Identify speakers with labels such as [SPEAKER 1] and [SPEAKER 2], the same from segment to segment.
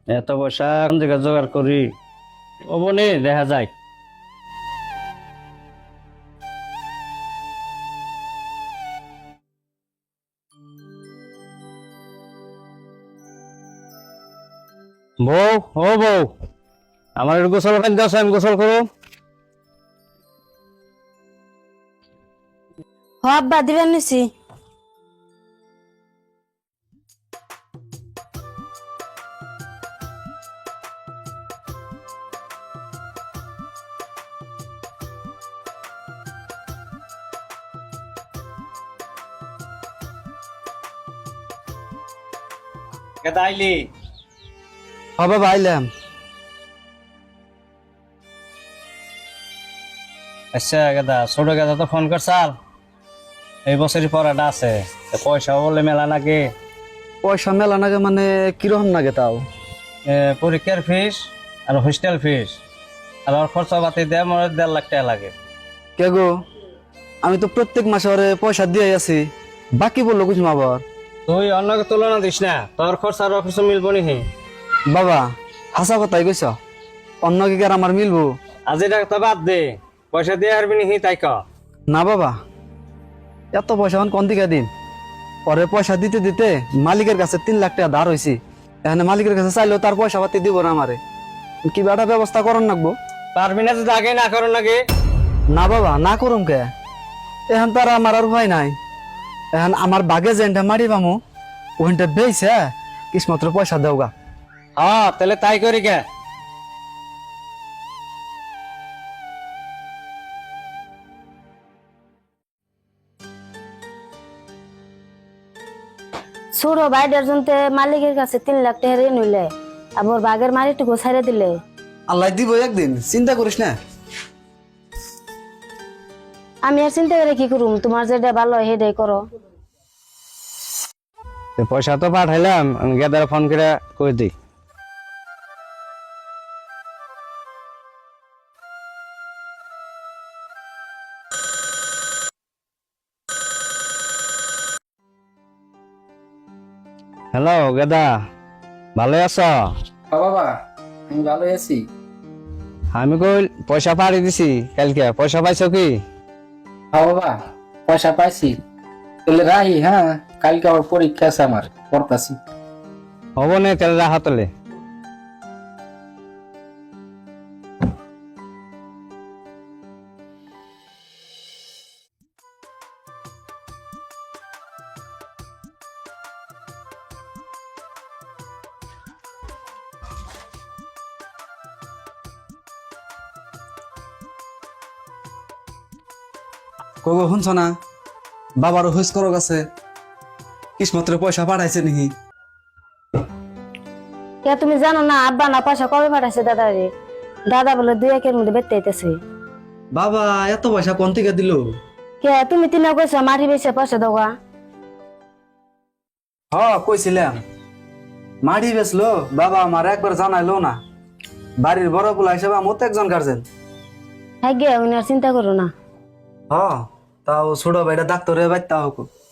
[SPEAKER 1] এত পয়সা কোন জায়গায় জোগাড় করি ও বনে দেখা যায়। বউ, ও বউ, আমার একটু গোসল পানি দাও, আমি গোসল করো।
[SPEAKER 2] হ আব্বা দিবেন নিছি।
[SPEAKER 1] কেদা আইলি?
[SPEAKER 3] বাবা আইলাম।
[SPEAKER 1] আচ্ছা গেদা, ছোট গেদা তো ফোন করছাল, এই বছরই পড়াটা আছে, পয়সা বলে মেলা নাকি?
[SPEAKER 3] পয়সা মেলা নাগে মানে কিরকম নাগে তাও?
[SPEAKER 1] পরীক্ষার ফিস আর হোস্টেল ফিস আর ওর খরচা পাতি দেয় মনে হয় 1.5 লাখ টাকা লাগে।
[SPEAKER 3] কে গো, আমি তো প্রত্যেক মাসে ওরে পয়সা দিয়ে আছি, বাকি বললো কিছু আবার।
[SPEAKER 1] তুই অন্যকে তুলনা দিস না, তোর খরচা আর খরচ মিলবো নি?
[SPEAKER 3] বাবা হাসা কথাই কইছ, অন্য কি আর আমার মিলবো?
[SPEAKER 1] আজি টাকা তো বাদ দে, পয়সা দিয়ে হারবি নি তাই ক।
[SPEAKER 3] না বাবা, এত পয়সা এখন কোন দিকে দিন? পরে পয়সা দিতে দিতে মালিকের কাছে 3 লাখ টাকা ধার হয়েছি, এখানে মালিকের কাছে চাইলেও তার পয়সা পাতি দিব না আমারে। কি একটা ব্যবস্থা করন লাগবো।
[SPEAKER 1] পারবি না যদি আগে না করো নাকি?
[SPEAKER 3] না বাবা, না করুম কে, এখন তো আর আমার আর উপায় নাই। এখন আমার বাগে যেটা মারি পামু ওইটা বেইছে কিসমত্র পয়সা দেওগা।
[SPEAKER 1] হ্যাঁ তাহলে তাই করি কে।
[SPEAKER 2] ছোট ভাইটার জন্য মালিকের কাছে 3 লাখ টাকা ঋণ হইলে আবার বাগের মারিটুকু ছাইড়ে দিলে।
[SPEAKER 3] আল্লাহ দিব একদিন, চিন্তা করিস না।
[SPEAKER 2] আমি আর চিন্তা করে কি করুম, তোমার যেটা ভালো হয় সেটাই করো।
[SPEAKER 1] পয়সা তো পাঠাইলাম, আমি গেদার ফোন করে কই দিই। হ্যালো গেদা, ভালো আছো?
[SPEAKER 4] বাবা আমি ভালো আছি।
[SPEAKER 1] আমি কই পয়সা পাড়ি দিছি কালকে, পয়সা পাইছো কি?
[SPEAKER 4] বাবা পয়সা পাইছি, তাহলে রাহি। হ্যাঁ কালকে আবার পরীক্ষা আছে, আমার পড়তাছি।
[SPEAKER 1] হব না তাহলে রাহা তোলে।
[SPEAKER 3] কগো শুনছ না, বাবারও হুইস করো গেছে, কিসমত্র পয়সা পাঠাইছে নাকি?
[SPEAKER 2] কে তুমি জানো না আব্বা না পয়সা কবে পাঠাইছে দাদারে? দাদা বলে 2 একের মধ্যে বেচতে আইতেছে।
[SPEAKER 3] বাবা এত পয়সা কোন থেকে দিল?
[SPEAKER 2] কে তুমি তিনা কইছো মারি বেচে পয়সা দেওয়া?
[SPEAKER 3] হ কইছিলাম, মাড়ি বেচলো বাবা, আমার একবার জানাইলো না। বাড়ির বড় পোলা হিসেবে আমার তো একজন গার্জেন।
[SPEAKER 2] হ্যাঁ গে উনি আর চিন্তা করো না।
[SPEAKER 3] হ, তাও ছোট ভাইটা ডাক্তারে বাইতে হোক।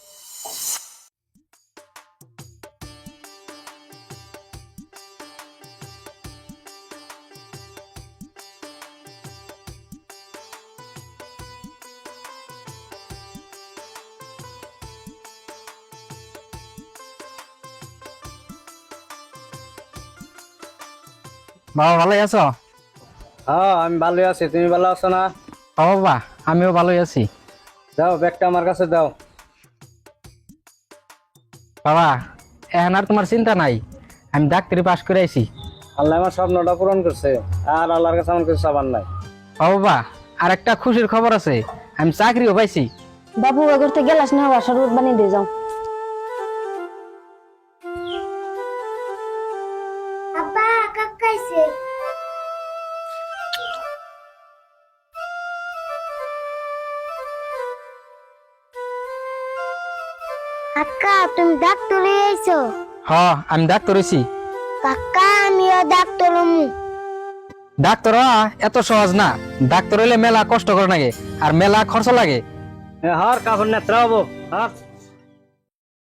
[SPEAKER 5] বাবা ভালোই আছো?
[SPEAKER 1] হ্যাঁ আমি ভালো আছি, তুমি ভালো আছো না?
[SPEAKER 5] বাবা আমিও ভালোই আছি।
[SPEAKER 1] দাও ব্যাগটা আমার কাছে দাও।
[SPEAKER 5] বাবা এখন আর তোমার চিন্তা নাই, আমি ডাক্তারি পাশ করে আইছি।
[SPEAKER 1] আল্লাহ আমার স্বপ্নটা পূরণ করছে, আর আল্লাহর কাছে আমার কিছু চাবার নাই।
[SPEAKER 5] বাবা আর একটা খুশির খবর আছে, আমি চাকরিও পাইছি।
[SPEAKER 2] বাবু করতে গেলাস না, হওয়া শরবত বানিয়ে দিয়ে যাও।
[SPEAKER 6] আব্বা কাকাইছে। কাকা তুমি ডাক্তার আইছো?
[SPEAKER 5] হ আমি ডাক্তার হইছি।
[SPEAKER 6] কাকা আমিও ডাক্তার হমু।
[SPEAKER 5] ডাক্তার হওয়া এত সহজ না, ডাক্তার হইলে মেলা কষ্ট করে লাগে আর মেলা খরচ লাগে।
[SPEAKER 1] হ্যাঁ কাপড় নেত্রা হবো। হ্যাঁ